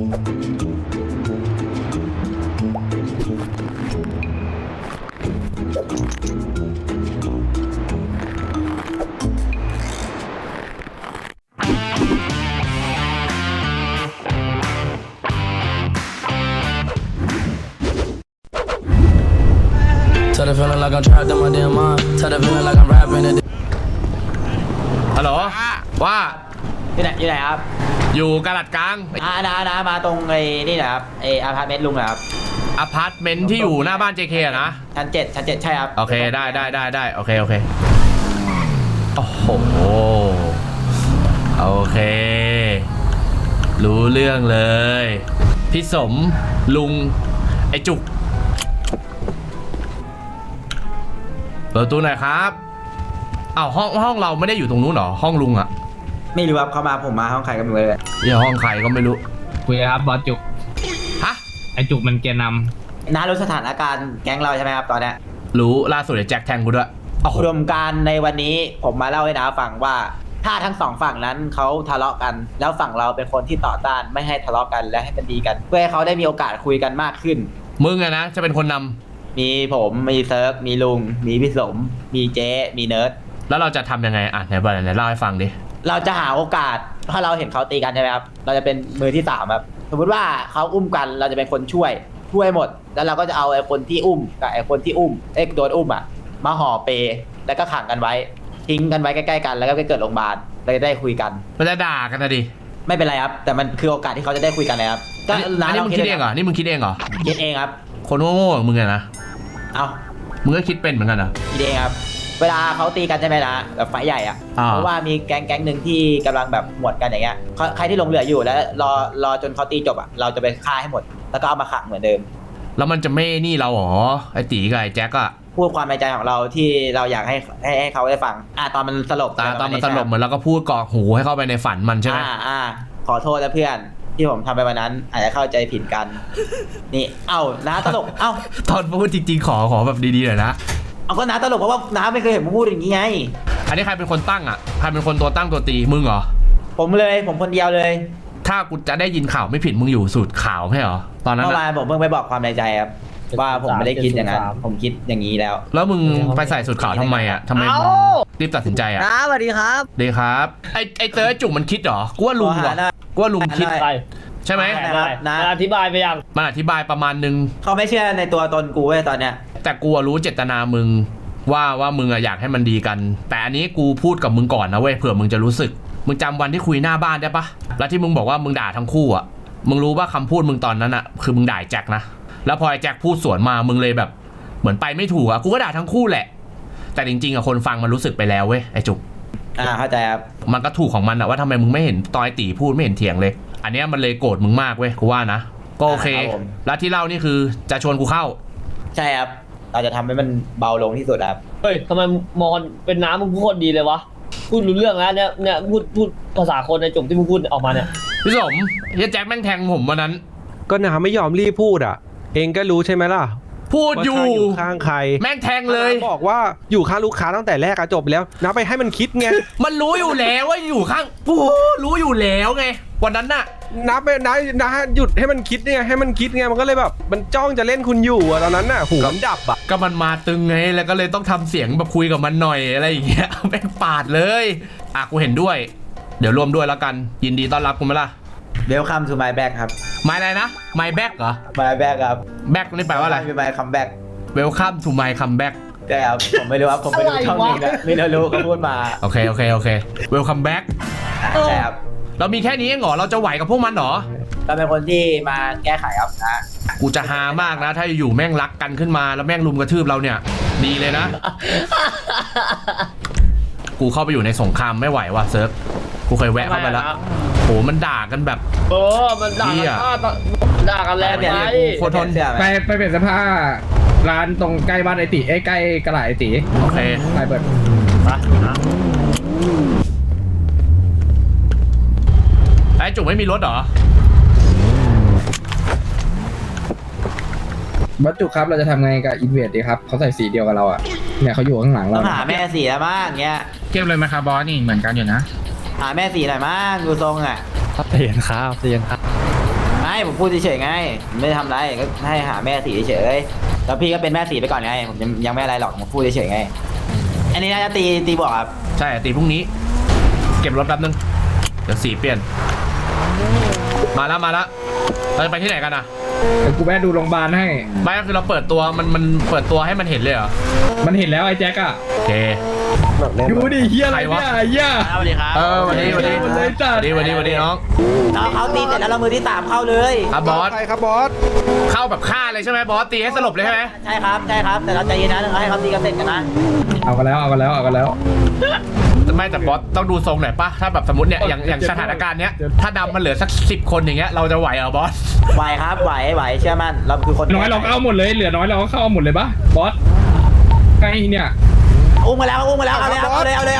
Tell the feeling like I'm trapped in my damn mind. Tell the feeling like I'm rapping it. ฮัลโหลว่าอยู่ไหนครับอยู่กาลัดกลางนะมาตรงไอ้นี่นะครับไอ้อพาร์ตเมนต์ลุงนะครับอพาร์ตเมนต์ที่อยู่หน้าบ้าน JK อะนะชั้นเจ็ดใช่ครับโอเคได้โอเคโอ้โหโอเครู้เรื่องเลยพี่สมลุงไอจุกเปิดประตูหน่อยครับอ้าวห้องเราไม่ได้อยู่ตรงนู้นหรอห้องลุงอะไม่รู้ครับเขามาผมมาห้องใครก็ไม่รู้เลยอย่าห้องใครก็ไม่รู้คุยครับบอสจุกฮะไอจุกมันแกนน้ารู้สถานการณ์แก๊งเราใช่ไหมครับตอนเนี้ยรู้ล่าสุดไอ้แจ็คแทงกูด้วยโอ้โหรวมการในวันนี้ผมมาเล่าให้น้าฟังว่าถ้าทั้งสองฝั่งนั้นเขาทะเลาะกัน แล้วฝั่งเราเป็นคนที่ต่อต้านไม่ให้ทะเลาะกันและให้มันดีกัน เพื่อให้เขาได้มีโอกาสคุยกันมากขึ้นมึงอะนะจะเป็นคนนำมีผมมีเซิร์ฟมีลุงมีพี่สมมีเจ๊มีเนิร์ดแล้วเราจะทำยังไงอ่ะไหนเล่าให้ฟังดิเราจะหาโอกาสถ้าเราเห็นเขาตีกันใช่ไหมครับเราจะเป็นมือที่สามครับสมมติว่าเขาอุ้มกันเราจะเป็นคนช่วยหมดแล้วเราก็จะเอาไอ้คนที่อุ้มกับไอ้คนที่อุ้มโดนอุ้มอ่ะมาห่อเปแล้วก็ขังกันไว้ทิ้งกันไว้ใกล้ๆกันแล้วก็ไปเกิดโรงพยาบาลเราจะได้คุยกันมันจะด่ากันนะดิไม่เป็นไรครับแต่มันคือโอกาสที่เขาจะได้คุยกันเลยครับอันนี้มึงคิดเองเหรอนี่มึงคิดเองเหรอคิดเองครับคนโง่ๆอย่างมึงอะนะเอามึงก็คิดเป็นเหมือนกันเหรอคิดเองครับเวลาเขาตีกันใช่ไหมนะแบบไฟใหญ่อ่ะอ่าเพราะว่ามีแก๊งหนึ่งที่กำลังแบบหมวดกันอย่างเงี้ยใครที่ลงเหลืออยู่แล้วรอจนเขาตีจบอ่ะเราจะไปฆ่าให้หมดแล้วก็เอามาขังเหมือนเดิมแล้วมันจะไม่นี่เราเหรอไอ้ตีกับไอ้แจ็คอะพูดความในใจของเราที่เราอยากให้เขาได้ฟังตอนมันสลบตอนมันสลบเหมือนเราก็พูดกรอกหูให้เข้าไปในฝันมันใช่ไหมขอโทษนะเพื่อนที่ผมทำไปวันนั้นอาจจะเข้าใจผิดกัน นี่น้าตลกตอนพูดจริงๆขอแบบดีๆหน่อยนะก็น้าตลกเพราะว่าน้าไม่เคยเห็นผมพูดอย่างนี้ไงอันนี้ใครเป็นคนตั้งอะใครเป็นคนตัวตั้งตัวตีมึงเหรอผมคนเดียวเลยถ้ากูจะได้ยินข่าวไม่ผิดมึงอยู่สูตรข่าวไม่เหรอตอนนั้นเมื่ออะวานผมเพิ่งไปบอกความในใจครับว่าผมไม่ได้คิดอย่างนั้นผมคิดอย่างนี้แล้วแล้วมึงไปใส่สูตรข่าวทำไมอะทำไมมึงรีบตัดสินใจอะสวัสดีครับดีครับไอ้เตอร์จุกมันคิดเหรอกูว่าลุงว่ะกูว่าลุงคิดไปใช่ไหมนะอธิบายไปยังมันอธิบายประมาณนึงเขาไม่เชื่อในตัวตนกูเว้ยตอนเนี้ยแต่กูรู้เจตนามึงว่ามึงอะอยากให้มันดีกัน แต่อันนี้กูพูดกับมึงก่อนนะเว้ยเผื่อมึงจะรู้สึกมึงจำวันที่คุยหน้าบ้านได้ปะแล้วที่มึงบอกว่ามึงด่าทั้งคู่อะมึงรู้ว่าคำพูดมึงตอนนั้นอะคือมึงด่าแจ็คนะแล้วพอไอ้แจ็คพูดสวนมามึงเลยแบบเหมือนไปไม่ถูกอะกูก็ด่าทั้งคู่แหละแต่จริงๆอะคนฟังมันรู้สึกไปแล้วเว้ยไอ้จุกเข้าใจครับมันก็ถูกของมันอะว่าทำไมมึงไม่เห็นตอยตีพูดไม่เห็นเถียงเลย อันเนี้ยมันเลยโกรธมึงมากเว้ยกูว่านะก็โอเคแล้วที่เล่านี่คือจะชวนกูเข้าใช่ครับเราจะทำให้มันเบาลงที่สุดครับเฮ้ยทำไมมอนเป็นน้ำมึงพูดโคตรดีเลยวะพูดรู้เรื่องแล้วเนี่ยพูดภาษาคนในจุกที่มึงพูดออกมาเนี่ยพี่สมเฮียแจ็คแม่งแทงผมวันนั้นก็น้าไม่ยอมรีบพูดอ่ะ เองก็รู้ใช่ไหมล่ะพูดอยู่ว่าข้าอยู่ข้างใครแม่งแทงเลยน้าบอกว่าอยู่ข้างลูกค้าตั้งแต่แรกอะจบแล้วน้าไปให้มันคิดไงมันรู้อยู่แล้วว่าอยู่ข้างปูรู้อยู่แล้วไงวันนั้นน่ะน้าหยุดให้มันคิดไงให้มันคิดไงมันก็เลยแบบมันจ้องจะเล่นคุณอยู่อะตอนนั้นน่ะหูมันดับอะก็มันมาตึงไงแล้วก็เลยต้องทำเสียงแบบคุยกับมันหน่อยอะไรอย่างเงี้ย แม่งปาดเลยกูเห็นด้วย เดี๋ยวร่วมด้วยแล้วกันยินดีต้อนรับคุณไหมล่ะ Welcome to my back ครับไม่อะไรนะ my back เหรอ my back ครับ back นี่แปลว่าอะไร my comeback welcome to my comeback ใช่ครับผมไม่รู้ครับผมไม่รู้ช่องนี้นะไม่รู้เขาพูดมาโอเค welcome back ใช่ครับเรามีแค่นี้เองเหรอเราจะไหวกับพวกมันเหรอเราเป็นคนที่มาแก้ไขครับนะกูจะฮามากนะ ถ้าอยู่แม่งรักกันขึ้นมาแล้วแม่งลุมกระทืบเราเนี่ย ดีเลยนะ กูเข้าไปอยู่ในสงครามไม่ไหวว่ะเซิร์ฟกูเคยแวะเข้าไปแล้วโหมันด่ากันแบบมันด่ากันด่ากันแรงไปโคตรทนไปเปลี่ยนเสื้อผ้าร้านตรงใกล้บ้านไอติใกล้กระไรไอติโอเคไปเปิดไอ้จุกไม่มีรถเหรอบัตจุครับเราจะทำไงกับอินเวดดีครับเขาใส่สีเดียวกับเราอ่ะเนี่ยเขาอยู่ข้างหลังต้เราองหาแม่สีแล้วมั้งเงี้ยเก็บเลยไหมครับบอสนี่เหมือนกันอยู่นะหาแม่สีหน่อยมั้งดูทรงอ่ะเตียนครับมาไม่ผมพูดเฉยๆไงผมไม่ได้ทำอะไรก็ให้หาแม่สีเฉยๆแล้วพี่ก็เป็นแม่สีไปก่อนไงผมยังไม่อะไรหรอกผมพูดเฉยๆไงอันนี้น่าจะตีบอกครับใช่ตีพรุ่งนี้ เก็บรถแป๊บนึงเดี๋ยวสีเปลี่ยนมาแล้วเราจะไปที่ไหนกันอ่ะเดี๋ยวกูแวะดูโรงพยาบาลให้ไม่ก็คือเราเปิดตัวมันเปิดตัวให้มันเห็นเลยเหรอมันเห็นแล้วไอ้แจ็คอะโอเคดูดิเฮียอะไรใครวะเนี่ยไอ้เฮียสวัสดีครับวันนี้เลยจัดวันนี้น้องน้องเขาตีเสร็จแล้วเรามือที่3เข้าเลยครับบอสใครครับบอสเข้าแบบฆ่าเลยใช่ไหมบอสตีให้สลบเลยใช่ไหมใช่ครับแต่เราใจเย็นนะเราให้เขาตีกันเสร็จกันนะเอากันแล้วไม่แต่บอสต้องดูทรงหน่อยปะถ้าแบบสมมติเนี่ยอย่างสถานการณ์เนี้ยถ้าดำมันเหลือสัก10 คนอย่างเงี้ยเราจะไหวเหรอบอสไหวครับไหวเชื่อมั่นเราคือคนน้อยเราก็เอาหมดเลยเหลือน้อยเราก็เข้าเอาหมดเลยปะบอสไงเนี่ยอุ้มมาแล้วเอาเลยอุ้มมาแล้ว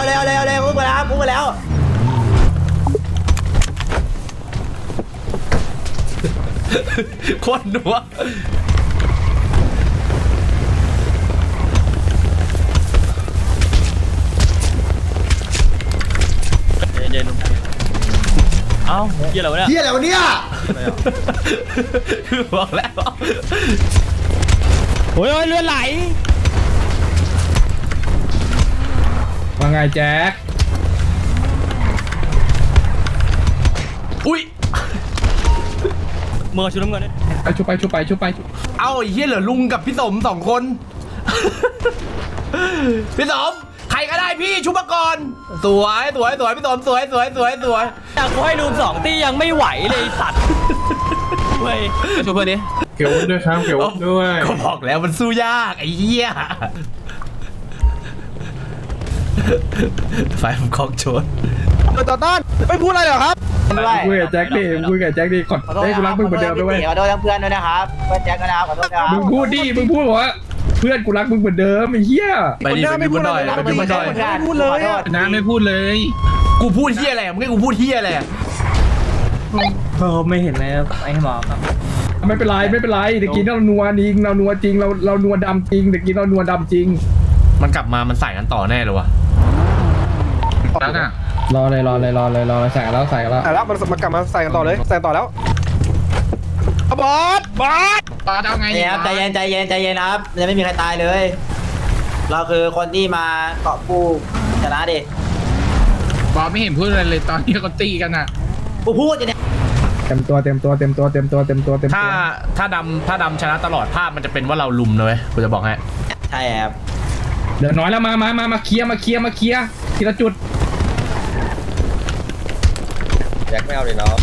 โคตรหนัวเอ้าเกี่ยวอะไรวะเนี่ยเฮียอะไรวะเนี่ยคือบอกแล้วโอ้ยเลือดไหลว่าไงแจ็คอุ้ยเมื่อชุดน้ำเงินเนี่ยไปชุบไปเอ้าไอ้เหี้ยเหลือลุงกับพี่สม2 คน พี่สมใครก็ได้พี่ชุบมาก่อนสวยพี่สมสวยอยากกูให้รูม2ตียังไม่ไหวเลยสัตว์เว้ยช่วยเพื่อนดิเกี่ยวด้วยครับเกี่ยวด้วยก็บอกแล้วมันสู้ยากไอ้เหี้ยไฟผมคล้องโชนต่อต้านไม่พูดอะไรเหรอครับด้วยคุยกับแจ็คดิขอขอโทษให้กูรักมึงเหมือนเดิมด้วยขอโทษทั้งเพื่อนด้วยนะครับเพื่อนแจ็คนะครับขอโทษนะครับมึงพูดบอกว่าเพื่อนกูรักมึงเหมือนเดิมไอ้เหี้ยไปดิไปบนดอยรักไปมึงบนดอยไม่พูดเลยอะนะไม่พูดเลยกูพูดเหี้ยอะไรมึงให้กูพูดเหี้ยอะไรไม่เห็นเลยไอ้หมอครับไม่เป็นไรเดี๋ยวกินเรานัวจริงเรานัวดำจริงเดี๋ยวกินเรานัวดำจริงมันกลับมามันใส่กันต่อแน่เลยวะแล้วน่ะรอเลยใส่กันแล้วแล้วมันกลับมาใส่กันต่อเลยใส่ต่อแล้วบอสปาดเอาไงเนี่ยครับใจเย็นนะครับยังไม่มีใครตายเลย เราคือคนที่มาเกาะผู้ชนะดิบอสไม่เห็นพูดอะไรเลยตอนที่เขาตีกันอ่ะกูพูดอยู่เนี่ยเต็มตัวถ้าดำชนะตลอดภาพมันจะเป็นว่าเราลุมนะเว้ยกูจะบอกให้ใช่ครับเดี๋ยวน้อยแล้วมาเคลียร์ทีละจุดแจ็คไม่เอาเลยเนาะ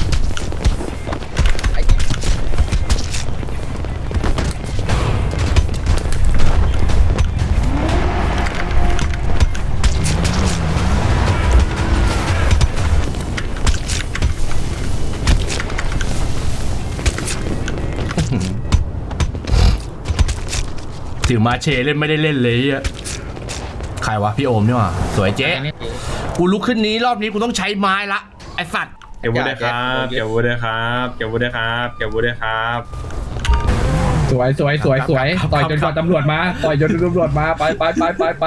ถือมาเชเล่นไม่ได้เล่นเลยอ่ะใครวะพี่โอมนี่หว่าสวยเจ๊กูลุกขึ้นนี้รอบนี้กูต้องใช้ไม้ละไอสัตว์เก็บวุ้ด้วยครับเก็บวุ้ด้วยครับเก็บวุ้ด้วยครับเก็บวุ้ด้วยครับสวยต่อยจนกว่าตำรวจมาไป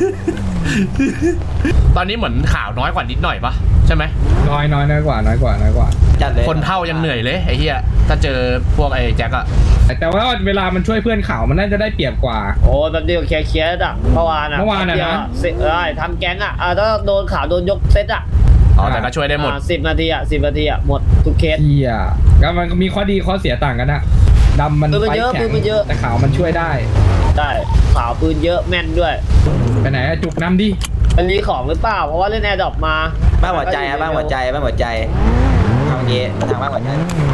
ตอนนี้เหมือนข่าวน้อยกว่านิดหน่อยปะใช่ไหมน้อยกว่าจัดเลยคนเท่ายังเหนื่อยเลยไอ้เหี้ยถ้าเจอพวกไอ้แจ็คอะแต่ว่าเวลามันช่วยเพื่อนข่าวมันน่าจะได้เปรียบกว่าโอ้แบบเดียวเคลียร์อ่ะเมื่อวานอ่ะได้ทำแก๊งอ่ะถ้าโดนข่าวโดนยกเซตอ่ะอ๋อแต่ก็ช่วยได้หมด 10 นาทีอ่ะหมดทุกเคสเฮียก็มันมีข้อดีข้อเสียต่างกันอะดำมันปืนมันไฟเยอะแข็งปืนมันเยอะแต่ขาวมันช่วยได้ได้ข่าวปืนเยอะแม่นด้วยไปไหนอะจุกน้ำดิมันมีของหรือเปล่าเพราะว่าเล่นแอร์ดรอปมาบ้านหัวใจครับบ้านหัวใจทางนี้ทางบ้านหัวใจ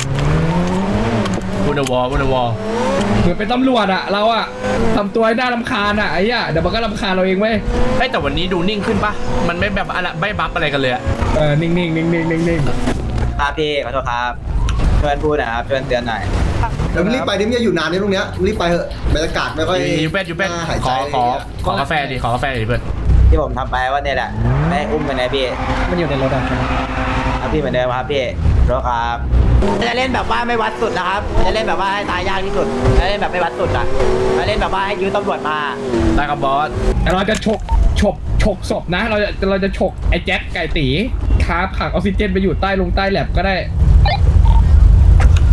บุนวอลเหมือนเป็นตำรวจอะเราอะทำตัวให้น่ารำคาญอะไอ้เหี้ยเดี๋ยวมันก็รำคาญเราเองเว้ยแต่วันนี้ดูนิ่งขึ้นปะมันไม่แบบอะไรไม่บัฟอะไรกันเลยอะนิ่งครับพี่ขอโทษครับช่วยพูดนะครับช่วยเตือนหน่อยเดี๋ยวมึงรีบไปดิมึงอย่าอยู่นานในตรงเนี้ยมึงรีบไปเถอะบรรยากาศไม่ค่อยยูเป็ดน่าหายขใจอกาแฟดิขอกาแฟดิเพื่อนที่ผมทำไปว่าเนี่ยแหละไม่อุ้มไปนะพี่มันอยู่ในรถอะครับพี่เหมือนเดิมครับพี่รถครับจะเล่นแบบว่าไม่วัดสุดนะครับจะเล่นแบบว่าให้ตายยากที่สุดจะเล่นแบบไม่วัดสุดอ่ะจะเล่นแบบว่าให้ยื้อตำรวจมาได้กับบอสแต่เราจะฉกศพนะ เราจะฉกไอ้แจ็คไก่ตีคาผักออกซิเจนไปอยู่ใต้แลบก็ได้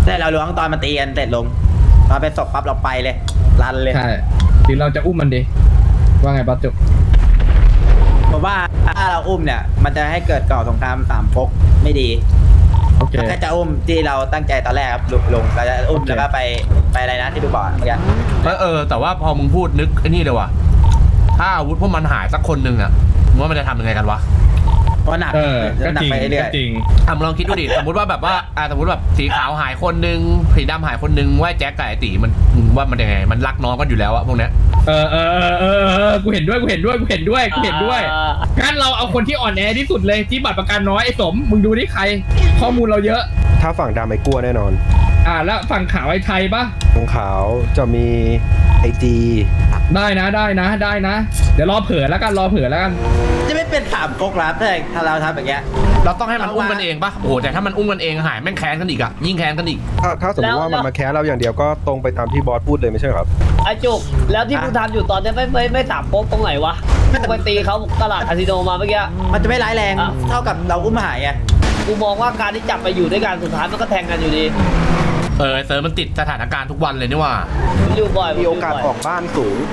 แต่เราล้วงตอนมันตีกันเสร็จลงตอนเป็นศพปั๊บเราไปเลยรันเลยใช่หรือเราจะอุ้มมันดีว่าไงบอสจุกผมว่าถ้าเราอุ้มเนี่ยมันจะให้เกิดก่อสงครามสามก๊กไม่ดีโอเคถ้าจะอุ้มที่เราตั้งใจตอนแรกครับลงเราจะอุ้มโอเคแล้วก็ไปอะไรนะที่ดูบอกเมื่อกี้แต่ว่าพอมึงพูดนึกไอ้นี่เลยว่ะถ้าอาวุธพวกมันหายสักคนหนึ่งอะมึงว่ามันจะทำยังไงกันวะเพราะหนักก็หนัจริงไปเรื่อก็ยจริงมึงลองคิดดูดิสมมติว่าแบบว่าสมมติแบบสีขาวหายคนหนึ่งสีดำหายคนหนึ่งว่าแจ็คกับไอ้ตีมันมึงว่ามันยังไงมันรักน้องกันอยู่แล้วอะพวกเนี้ยกูเห็นด้วยงั้นเราเอาคนที่อ่อนแอที่สุดเลยที่บัตรประกันน้อยไอ้สมมึงดูนี่ใครข้อมูลเราเยอะถ้าฝั่งดำไอ้กลัวแน่นอนแล้วฝั่งขาวไอ้ไทยปะฝั่งขาวจะมีไอจีได้นะ เดี๋ยวรอเผื่อแล้วกันๆจะไม่เป็นสามก๊กแล้วถ้าเราทำแบบเงี้ยเราต้องให้มันอุ้มกันเองปะโอ้โหแต่ถ้ามันอุ้มกันเองหายแม่งแค้นกันอีกอะยิ่งแค้นกันอีกถ้าสมมติว่ามันมาแค้นเราอย่างเดียวก็ตรงไปตามที่บอสพูดเลยไม่ใช่เหรอครับไอ้จุกแล้วที่มึงทำอยู่ตอนนี้ไม่สามโป๊กตรงไหนวะไปตีเขาตลาดคาสิโนมาเมื่อกี้มันจะไม่ร้ายแรงเท่ากับเราอุ้มหายไงกูมองว่าการที่จับไปอยู่ด้วยกันสุดท้ายมันก็แทงกันอยู่ดีเซิร์ฟมันติดสถานการณ์ทุกวันเลยนี่ว่าผมอยู่บ่อยมีโอกาสออกบ้านสูง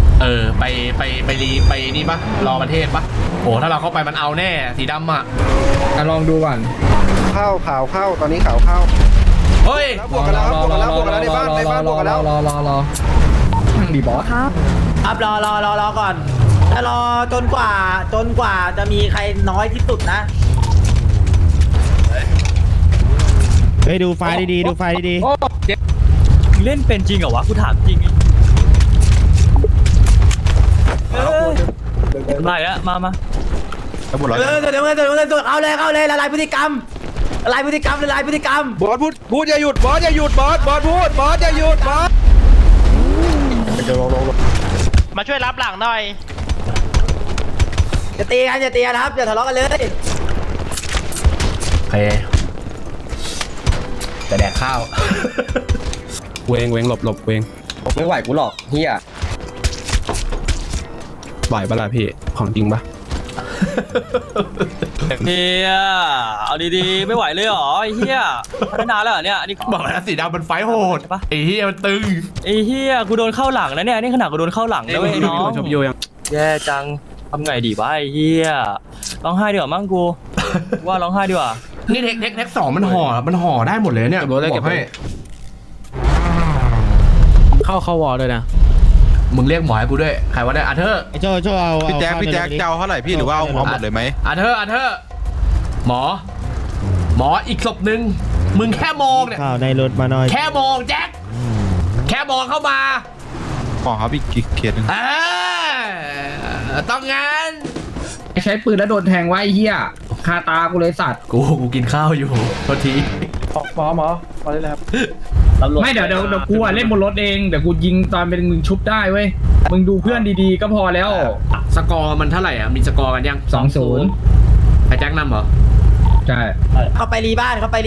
ไปนี่ปะรอประเทศปะโอ้ถ้าเราเข้าไปมันเอาแน่สีดำอะลองดูก่อนข้าวขาวเข้าตอนนี้ขาวเข้าเฮ้ยแล้วบวกกันแล้วครับบวกกันแล้วในบ้านบวกกันแล้วรอนั่งดีบอสครับรอก่อนถ้ารอจนกว่าจะมีใครน้อยที่สุดนะเฮ้ยดูไฟล์ดีๆดูไฟล์ดีๆเล่นเป็นจริงเหรอวะกูถามจริงมาแล้วมาเดี๋ยวเอาเลยละลายพฤติกรรมละลายพฤติกรรมบอสพูดอย่าหยุดบอสอย่าหยุดบอสพูดบอสอย่าหยุดบอสจะลงมาช่วยรับหลังหน่อยอย่าตีกันครับอย่าทะเลาะกันเลยโอเคแต่แดกข้าวเวงหลบเวงไม่ไหวกูหรอกเฮียไหวปะล่ะพี่ของจริงปะเฮียเอาดีๆไม่ไหวเลยเหรอไอ้เฮียพัฒนาแล้วเหรอเนี่ยอันนี้บอกแล้วสีดำมันไฟโหดปะไอ้เฮียมันตึงไอ้เฮียกูโดนเข้าหลังแล้วเนี่ยนี่ขนาดกูโดนเข้าหลังแล้วเว้ยน้องแย่จังทำไงดีวะไอ้เฮียร้องไห้ดีกว่ามั้งกูว่าร้องไห้ดีกว่านี่เทคสองมันห่อได้หมดเลยเนี่ยบอกให้เข้าวอลด้วยนะมึงเรียกหมอให้กูด้วยใครวะเนี่ยอาเธอร์ไอ้โจ้เอาพี่แจ๊คจะเอาเท่าไหร่พี่หรือว่าเอาหมดเลยไหมอาเธอร์หมออีกศพหนึ่งมึงแค่มองเนี่ยข่าวในรถมาหน่อยแค่มองแจ็คแค่มองเข้ามาขอครับอีกเขียนหนึ่งต้องงั้นใช้ปืนแล้วโดนแทงไว้ไอ้เฮียคาตากูเลยสัตว์กูกินข้าวอยู่โทษทีหมอพอได้แล้วครับไม่เดี๋ยวกูเล่นบนรถเองเดี๋ยวกูยิงตอนเป็นมึงชุบได้เว้ยมึงดูเพื่อนดีๆก็พอแล้วสกอร์มันเท่าไหร่อ่ะมีสกอร์กันยัง 2-0 ไอ้แจ็คนำเหรอใช่เขาไปรีบ้านไปบอ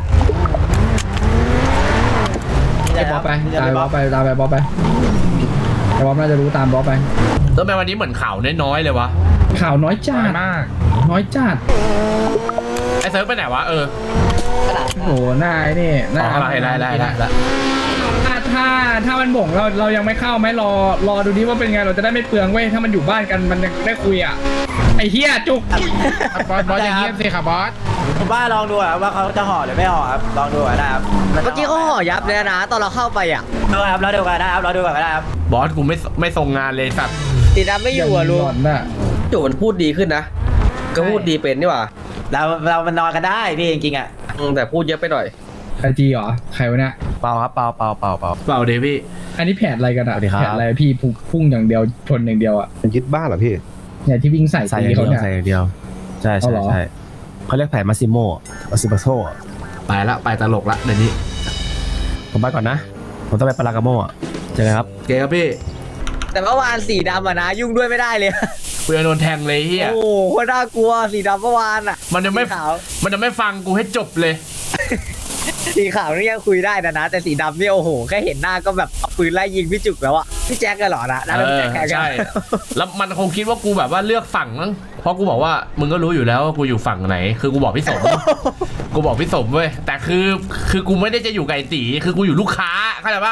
สไปตามบอสไปไอ้บอสน่าจะรู้ตามบอสไปแล้วแม้วันนี้เหมือนข่าวน้อยๆเลยวะข่าวน้อยจัดน้อยจัดไอ้เซิร์ฟไปไหนวะโอ้โหหน้าไอ้นี่หน้าได้ถ้ามันบ่งเรายังไม่เข้าไหมรอดูดิว่าเป็นไงเราจะได้ไม่เปลืองเว้ยถ้ามันอยู่บ้านกันมันได้คุยอ่ะไอ้เฮียจุกบอสอย่างเงี้ยสิครับบอสผมว่าลองดูว่าเขาจะห่อหรือไม่ห่อครับลองดูได้ครับเมื่อกี้เขาห่อยับเลยนะตอนเราเข้าไปอ่ะดูครับรอดูกันได้ครับบอสกูไม่ส่งงานเลยสัตว์สีดำไม่อยู่อ่ะลุงน่ะจู่มันพูดดีขึ้นนะก็พูดดีเป็นนี่หว่าเรามันนอนกันได้พี่จริงๆอ่ะแต่พูดเยอะไปหน่อยใครจีเหรอใครวะเนี่ยเปล่าครับเปล่าเปล่าเดวี่อันนี้แผนอะไรกันอ่ะแผนอะไรพี่พุ่งอย่างเดียวชนอย่างเดียวอ่ะมันยึดบ้านเหรอพี่เนี่ยที่วิ่งใส่ตีเขาเนี่ยใช่เขาเรียกแผนมาซิโซไปตลกละเดี๋ยวนี้ผมไปก่อนนะผมต้องไปปารากาโม่เจอกันครับเกครับพี่แต่เมื่อวานสีดำอ่ะนะยุ่งด้วยไม่ได้เลยกูจะโดนแทงเลยเฮียโอ้โหโคตรน่ากลัวสีดำเมื่อวานอ่ะมันจะไม่ขาวฟังกูให้จบเลยสีขาวนี่ยังคุยได้นะแต่สีดำนี่โอ้โหแค่เห็นหน้าก็แบบเอาปืนไล่ยิงพี่จุกแล้วอะพี่แจ็คกันเหรอนะเออใช่ แล้วมันคงคิดว่ากูแบบว่าเลือกฝั่งมั้งเพราะกูบอกว่ามึงก็รู้อยู่แล้วว่ากูอยู่ฝั่งไหน คือกูบอกพี่สม กูบอกพี่สมเว้ยแต่คือกูไม่ได้จะอยู่ไก่ตีคือกูอยู่ลูกค้าเข้าใจปะ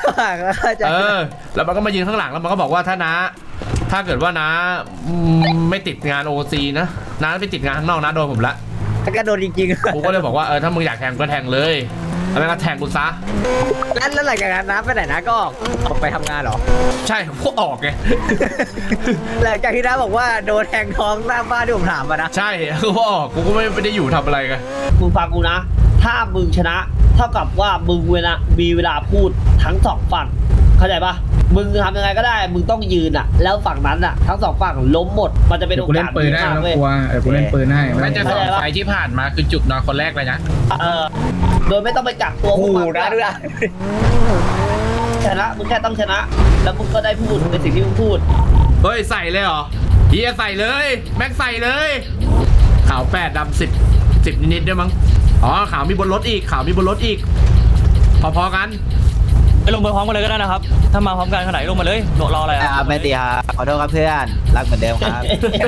แล้วมันก็มายืนข้างหลังแล้วมันก็บอกว่าถ้าเกิดว่านะไม่ติดงานโอซีนะไม่ติดงานข้างนอกนะโดนผมละก็โดนจริงๆกูก็เลยบอกว่าถ้ามึงอยากแทงก็แทงเลยแล้วก็แทงกูซะแล้วหลังจากนั้นนะไปไหนนะก็ออกไปทำงานเหรอใช่พวกออกไงหลังจากที่น้าบอกว่าโดนแทงท้องหน้าบ้านที่ผมถามมานะใช่คือพวกออกกูก็ไม่ได้อยู่ทำอะไรกันมึงฟังกูนะ ถ้ามึงชนะ เท่ากับว่ามึงมีเวลาพูดทั้งสองฝั่งเข้าใจปะมึงทำยังไงก็ได้มึงต้องยืนอะแล้วฝั่งนั้นอะทั้งสองฝั่งล้มหมดมันจะเป็นโอกาสกูเล่นปืนได้ไม่ต้องกลัวกูเล่นปืนให้น่าจะ2 ไฟที่ผ่านมาคือจุกนอนคนแรกเลยนะโดยไม่ต้องไปกักตัวพวกมันด้วยชนะมึงแค่ต้องชนะ แล้วมึงก็ได้พูดในสิ่งที่มึงพูดเฮ้ยใส่เลยเหรอเฮียใส่เลยแม็กใส่เลยขาว8ดำ10นิดๆด้วยมั้งอ๋อขาวมีบนรถอีกพอๆกันไปลงไปพร้อมกันเลยก็ได้นะครับถ้ามาพร้อมกันขนาดลงมาเลยรออะไรอ่ะไม่ตีครับขอโทษครับเพื่อนรักเหมือนเดิมครับ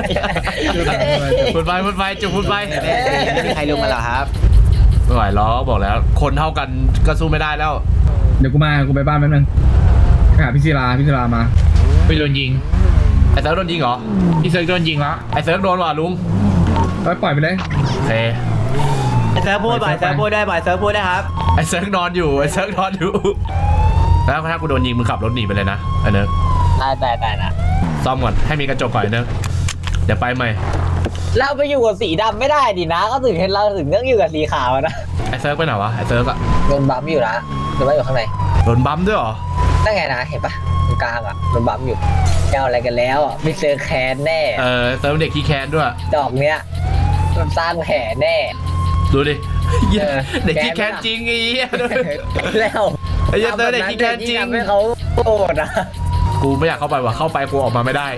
พูดไปจุกพูดไปไม่มีใครลงมาหรอครับไม่ไหวล้อบอกแล้ว คนเท่ากันก็สู้ไม่ได้แล้วเดี๋ยวกูไปบ้านแป๊บนึงหาพี่ศิลามาไปโดนยิงไอ้เซิร์ฟโดนยิงเหรอพี่เซิร์กโดนยิงแล้วไอ้เซิร์ฟโดนว่ะลุงปล่อยไปเลยโอเคเซิร์ฟพูดบ่อยเซิร์ฟพูดได้บ่อยเซิร์ฟพูดได้ครับไอ้เซิร์ฟนอนอยู่แล้วถ้ากูโดนยิงมึงขับรถหนีไปเลยนะไอ้เนิร์กได้นะซ่อมก่อนให้มีกระจกก่อนไอ้เนิร์กเดี๋ยวไปใหม่เราไปอยู่กับสีดำไม่ได้ดินะก็ถึงเห็นเราถึงต้องอยู่กับสีขาวนะไอ้เซิร์ฟไปไหนวะไอ้เซิร์ฟอะโดนบัมอยู่นะหรือว่าอยู่ข้างในโดนบัมด้วยเหรอนั่นไงนะเห็นปะตรงกลางอ่ะโดนบัมอยู่เจ้าอะไรกันแล้วอ่ะไม่เจอแคนแน่เซิร์ฟเด็กขี้แค้นด้วยดอกเนี้ยมันสร้างแผลแน่ดูดิเด็กขี้แค้นจริงไอ้เหี้ยแล้วไอ้เหี้ยเซิร์ฟเด็กขี้แค้นจริงทำให้เขาโกรธอ่ะกูไม่อยากเข้าไปว่ะเข้าไปกูออกมาไม่ได้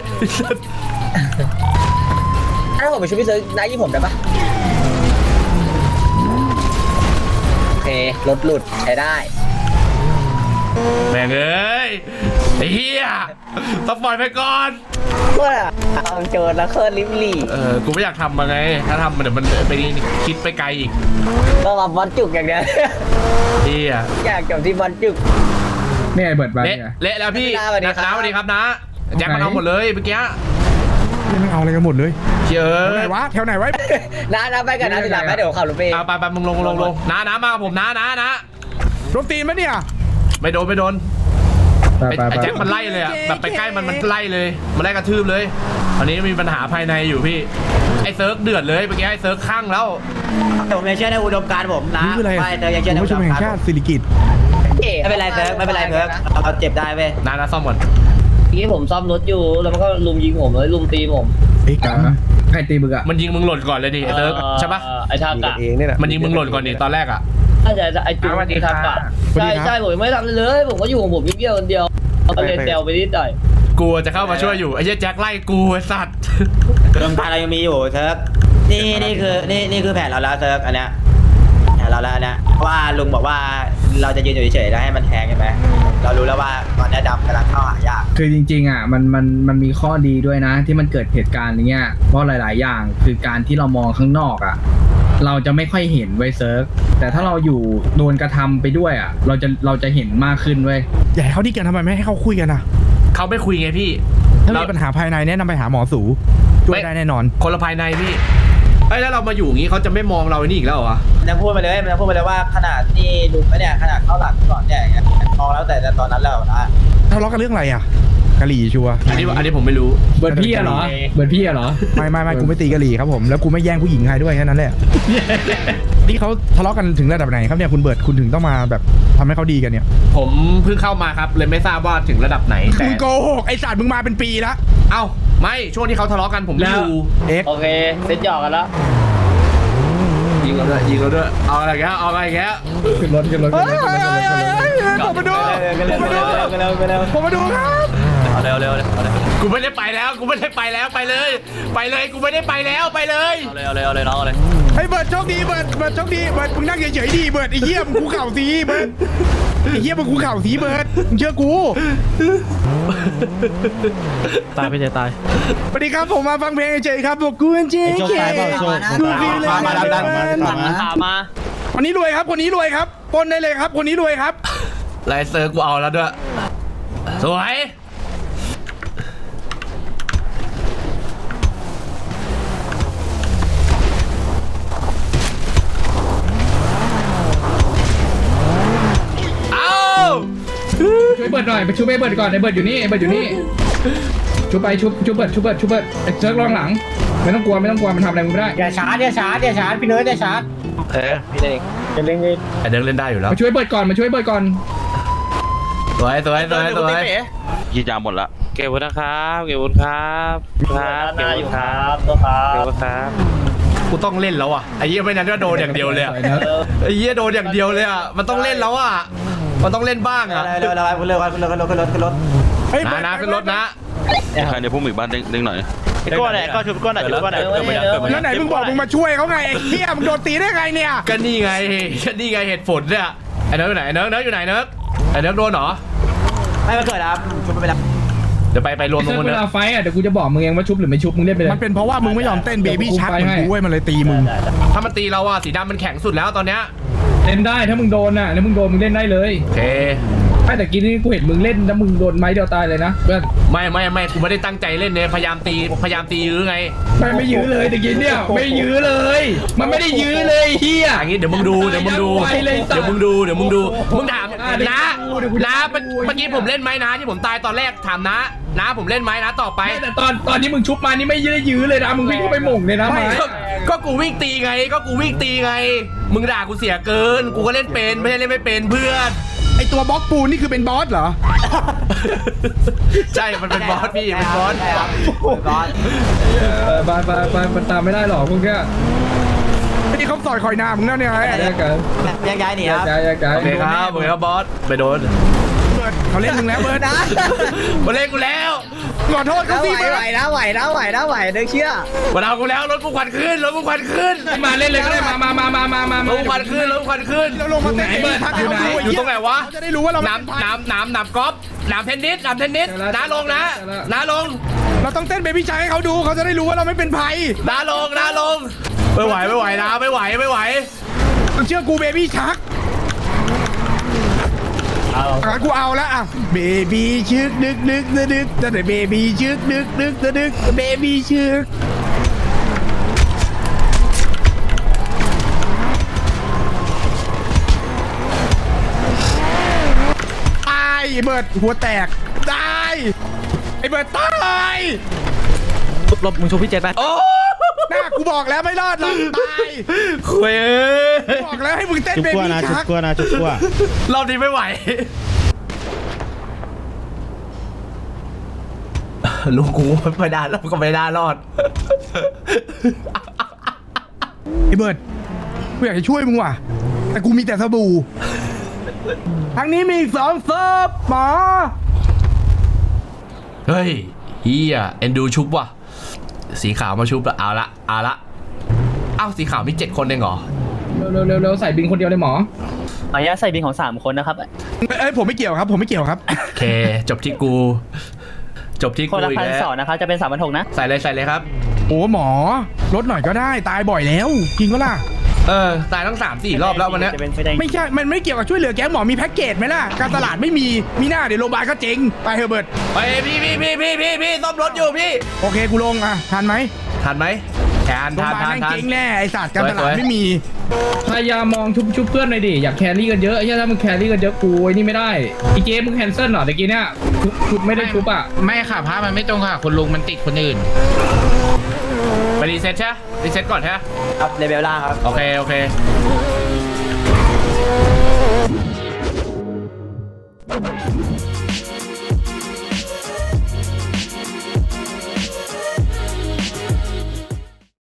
ถ้าผมไปช่วยพี่เซิร์ฟนายยี่ผมได้ปะโอเครถหลุดใช้ได้แม่งเอ้ยไอ้เหี้ยต้องปล่อยไปก่อนว่าเอาโจรแล้วเคลื่อนลิมลี่กูไม่อยากทำมาไงถ้าทำมันเดี๋ยวมันไปคิดไปไกลอีกต้องมาบอลจุกอย่างเดียวเหี้ยอยากจบที่บอลจุกนี่ไอ้เบิร์ดไปเละแล้วพี่สวัสดีครับสวัสดีครับนะแจ็คมันเอาหมดเลยเมื่อกี้ไม่เอาอะไรกันหมดเลยเชื่อแถวไหนวะนะไปกันนะทีหลังนะเดี๋ยวขับรถไปไปมึงลงนะมากับผมนะโดนตีนมั้ยเนี่ยไม่โดนไอ้แจ็คมันไล่เลยอะแบบไปใกล้มันไล่เลยมันไล่กระทืบเลยอันนี้มีปัญหาภายในอยู่พี่ไอ้เซิร์ฟเดือดเลยเมื่อกี้ไอ้เซิร์ฟข้างแล้วผมยังเชื่อในอุดมการณ์ผมนะไม่เธอยังเชื่อในอุดมการณ์สิริกิตไม่เป็นไรเซิร์ฟไม่เป็นไรเซิร์ฟเราเจ็บได้เว้ยนะซ่อมก่อนที่ผมซ่อมรถอยู่แล้วมันก็ลุมยิงผมเลยลุมตีผมใครตีมึงอะมันยิงมึงหล่นก่อนเลยดิไอ้เซิร์ฟใช่ปะไอ้ทากะเองนี่แหละมันยิงมึงหล่นก่อนดิตอนแรกอะถ้าจะไอ้จุ๊บไอ้ทากะใช่ผมไม่ทำเลย ผมก็อยู่ของผมเยี่ยวคนเดียวเอาเลยเซลไปนิดหน่อยกูจะเข้ามาช่วยอยู่ไอ้เหี้ยแจ็คไล่กูไอ้สัตว์อุดมการณ์เรายังมีอยู่เซิร์ฟนี่คือแผนเราแล้วเซิร์ฟอันเนี้ยแผนเราแล้วเนี่ยว่าลุงบอกว่าเราจะยืนอยู่เฉยๆแล้วให้มันแทงใช่ไหมเรารู้แล้วว่าตอนนี้ดำกำลังเข้าหายากคือจริงๆอ่ะมันมีข้อดีด้วยนะที่มันเกิดเหตุการณ์อย่างเงี้ยเพราะหลายๆอย่างคือการที่เรามองข้างนอกอ่ะเราจะไม่ค่อยเห็นไว้เซิร์ฟแต่ถ้าเราอยู่โดนกระทำไปด้วยอ่ะเราจะเห็นมากขึ้นเว้ยอย่าให้เขาดีกันทำไมไม่ให้เขาคุยกันอ่ะเขาไม่คุยไงพี่ถ้ามีปัญหาภายในแนะนำไปหาหมอสูช่วยได้แน่นอนคนละภายในพี่ไอ้แล้วเรามาอยู่อย่างงี้เขาจะไม่มองเราไอ้นี่อีกแล้วเหรอวะมันยังพูดไปเลยว่าขนาดที่ลุงเนี่ยขนาดเข้าหลังก่อนเนี่ยมองแล้วแต่ตอนนั้นแล้วนะทะเลาะกันเรื่องอะไรอ่ะกะหรี่ชัวร์อันนี้ผมไม่รู้เบิร์ดพี่อะเหรอไม่กูไม่ตีกะหรี่ครับผมแล้วกูไม่แย่งผู้หญิงใครด้วยแค่นั้นแหละ นี่เขาทะเลาะกันถึงระดับไหนครับเนี่ยคุณเบิร์ดคุณถึงต้องมาแบบทำให้เขาดีกันเนี่ยผมเพิ่งเข้ามาครับเลยไม่ทราบว่าถึงระดับไหนแต่มึงโกหกไอ้สัตว์มึงมาเป็นปีละเอ้าไม่ช่วงที่เขาทะเลาะกันผมไม่อยู่เอ็กซ์โอเคเซ็ตหยอกกันแล้วยิงเราด้วยเอาอะไรแกขึ้นรถผมมาดูผมมาดูครับเอาเร็วกูไม่ได้ไปแล้วไปเลยกูไม่ได้ไปแล้วไปเลยเอาเลยน้องเอาเลยไฮ้ยเบิร์ดโชคดีเบิร์ดโชคดีเบิร์ดมึงนั่งเฉยๆดีเบิร์ดไอ้เหี้ยมึงกูเข่าสีเบิร์ดไอ้เหี้ยมึงกูเข่าสีเบิร์ดมึงเชื่อกูตายไปเจตายสวัสดีครับผมมาฟังเพลงเฉยๆครับบอกกูเป็นเจ๊เคกูฟีลเลยมาคนนี้รวยครับคนนี้รวยครับปนได้เลยครับคนนี้รวยครับไลเซอร์กูเอาแล้วด้วยสวยช่วยเบิร์ดหน่อยไปช่วยเบิร์ดก่อนไอ้เบิร์ดอยู่นี่ไอ้เบิร์ดอยู่นี่ชุบไปชุบเบิร์ดไอ้เซิร์กลองหลังไม่ต้องกลัวมันทำอะไรมึงไม่ได้อย่าชาร์จพี่เนิร์ดอย่าชาร์จพี่เองจะเล่นไอเดินเล่นได้อยู่แล้วมาช่วยเบิร์ดก่อนสวยยี่จามหมดละเก็บวุ้นนะครับเก็บวุ้นครับเก็บวุ้นครับเก็บวุ้นครับกูต้องเล่นแล้วอ่ะไอ้เหี้ยไม่นั้นก็โดนอย่างเดียวเลยไอ้เหี้ยโดนอย่างเดียวเลยอ่ะมันต้องเล่นแล้วอ่ะมันต้องเล่นบ้างอ่ะเร็วขึ้นรถนะขึ้นรถนะใครในพวกหมู่บ้านเด้งหน่อยไอ้ก้อนไหนก้อนชุบก้อนไหนชุบก้อนไหนแล้วไหนมึงบอกมึงมาช่วยเขาไงไอ้เหี้ยมึงโดนตีได้ไงเนี่ยก็นี่ไงเหตุผลเนี่ยไอ้เนิร์กอยู่ไหนเนิร์กอยู่ไหนเนิร์กไอ้เนิร์กโดนเหรอไม่มาเกิดครับชุบไปแล้วเดี๋ยวไปรวมตรงเซิร์กนู้นเวเนิร์ลาก ไฟอ่ะเดี๋ยวกูจะบอกมึงเองว่าชุบหรือไม่ชุบมึงเล่นไปเลยมันเป็นเพราะว่ามึงไม่ยอมเต้นเบบี้ชักเหมือนกูเว้ยมันเลยตีมึงถ้ามันตีเราอ่ะสีดำมันแข็งสุดแล้วตอนเนี้ยเล่นได้ถ้ามึงโดนอ่ะถ้ามึงโดนมึงเล่นได้เลยโอเคไม่แต่กี้นี่กูเห็นมึงเล่นแล้วมึงโดนไม้เดียวตายเลยนะเพื่อนไม่กูไม่ได้ตั้งใจเล่นเนี่ยพยายามตียื้อไงไม่ยื้อเลยแต่กี้เนี่ยไม่ยื้อเลย มันไม่ได้ยื้อเลยเฮียอย่างงี้เดี๋ยวมึงดูมึงถามนะเมื่อกี้ผมเล่นไหมนะที่ผมตายตอนแรกถามนะผมเล่นไหมนะต่อไปแต่ตอนนี้มึงชุบมานี่ไม่ยื้อเลยนะมึงวิ่งเข้าไปหม่งเลยนะก็กูวิ่งตีไงมึงด่ากูเสียเกินกูก็เล่นเป็นไม่ใช่เล่นไม่เป็นเพื่อนไอตัวบล็อกปูนนี่คือเป็นบอสเหรอใช่มันเป็นบอสพี่เป็นบอสไปมันตามไม่ได้หรอกพวกแกไอ้นี่เขาต่อยคอยหน้ามึงนั่นเนี่ยไงแยกกันย้ายหนีครับโอเคครับบอสไปโดนเบิร์ดเขาเล่นมึงแล้วเบิร์ดนะมาเล่นกูแล้วขอโทษเขาสิเบิร์ดไหวเด็กเชื่อมาเอากูแล้วรถกูควันขึ้นมาเล่นเลยก็ได้มารถกูควันขึ้นเราลงมาเต้นเบิร์ดทักให้เขาดูอยู่ตรงไหนวะเขาจะได้รู้ว่าเราน้ำกอล์ฟน้ำเทนนิสน้าลงน้าลงเราต้องเต้นเบบี้ชักให้เขาดูเขาจะได้รู้ว่าเราไม่เป็นภัยน้าลงไม่ไหวนะไม่ไหวมึงเชื่อกูเบบี้ชักกูเอาแล้วอ่ะเบบี้ชึกดึกแต่เบบี้ชึกดึกเบบี้ชึกตายไอ้เบิร์ดหัวแตกตายไอ้เบิร์ดตายลบมึงชุบพี่เจตไปโอ้หน้ากูบอกแล้วไม่รอดหรอกตายคุยบอกแล้วให้มึงเต้นเบบี้ชักรอบนี้ไม่ไหวลูกกูไม่ได้แล้วก็ไม่ได้รอดไอ้เบิร์ดกูอยากจะช่วยมึงว่ะแต่กูมีแต่สบู่ทางนี้มีอีก2เซิร์ฟหมอเฮ้ยเฮียเอ็นดูชุบว่ะสีขาวมาชุบละเอาละอ้าวสีขาวมี7 คนเองเหรอเร็วใส่บินคนเดียวเลยหมออนุญาตใส่บินของ3 คนนะครับเอ้ยผมไม่เกี่ยวครับผมไม่เกี่ยวครับโอเคจบที่กูคนละอีกแล้ว 1,200นะครับจะเป็น3,600นะใส่เลยครับโอ้หมอลดหน่อยก็ได้ตายบ่อยแล้วจริงก็ล่ะตายทั้ง3-4 รอบแล้ววันนี้จะเป็นไฟแดงไม่ใช่มันไม่เกี่ยวกับช่วยเหลือแก๊งหมอมีแพ็กเกจไหมล่ะการตลาดไม่มีหน้าเดี๋ยวโรงพยาบาลก็เจ๊งไปเฮอะเบิร์ดไปพี่ซ่อมรถอยู่พี่โอเคกูลงอ่ะทันไหมทันไหมทานโรงพยาบาลแม่งเจ๊งแน่ไอสัตว์การตลาดไม่มีพยายามมองชุบเพื่อนหน่อยดิอยากแครี่กันเยอะถ้ามึงแครี่กันเยอะกูไอ้นี่ไม่ได้อีเจมึงแคนเซิลเหรอตะกี้เนี่ยชุบไม่ได้ชุบอ่ะไม่ค่ะพระมันไม่ตรงค่ะคุณลุงมันติดคนอื่นไปรีเซ็ตใช่รีเซ็ตก่อนใช่ครับเลเวลล่างครับโอเค